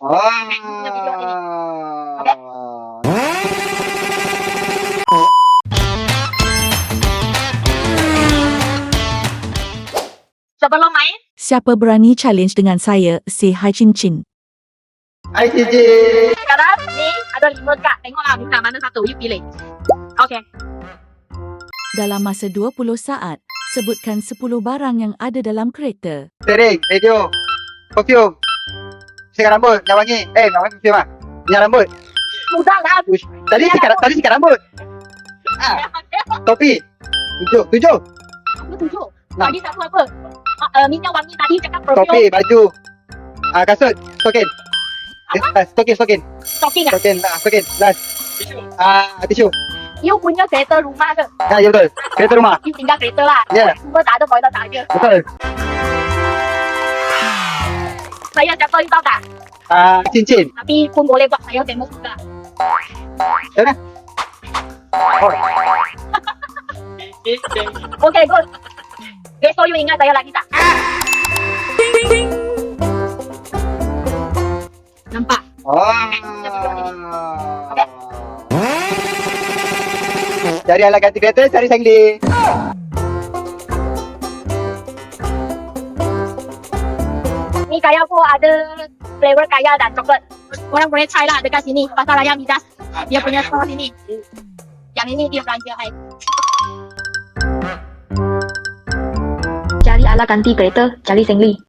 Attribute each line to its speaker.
Speaker 1: Punya video ni. Okay? Sebelum main,
Speaker 2: Siapa berani challenge dengan saya, say hi Cin.
Speaker 1: Hai CJ.
Speaker 3: sekarang ni ada 5 kad. Tengoklah bukan mana satu. You pilih. Okay.
Speaker 2: Dalam masa 20 saat, sebutkan 10 barang yang ada dalam kereta.
Speaker 1: Steering, radio, perfume, sikat rambut, minyak wangi. Minyak wangi perfume ah. Minyak rambut.
Speaker 3: Mudah lah.
Speaker 1: Uish, tadi sikat rambut. Topi. 7.
Speaker 3: Apa 7?
Speaker 1: Nah.
Speaker 3: Tadi satu apa? Minyak wangi tadi cakap
Speaker 1: Topi,
Speaker 3: perfume.
Speaker 1: baju. Kasut, stokin. Stokin.
Speaker 3: Stocking ah.
Speaker 1: Stokin. Last. Tisu.
Speaker 3: You punya kereta rumah ke?
Speaker 1: Ya betul. Kereta rumah.
Speaker 3: You tinggal kereta lah.
Speaker 1: Ya.
Speaker 3: Semua tak ada toilet tak ada.
Speaker 1: Betul.
Speaker 3: Saya siapa you tahu tak?
Speaker 1: Cincin.
Speaker 3: Tapi pun boleh buat saya famous juga.
Speaker 1: Macam mana?
Speaker 3: Okay, good. Besok you ingat saya lagi tak? Nampak?
Speaker 1: Cari alat ganti kereta, cari sangli.
Speaker 3: Ni kaya pun ada flavor kaya dan coklat. Orang boleh try lah dekat sini. Pasar Raya Midas. Dia punya store sini. Yang ini dia belanja hai. Cari alat ganti kereta, cari sengli.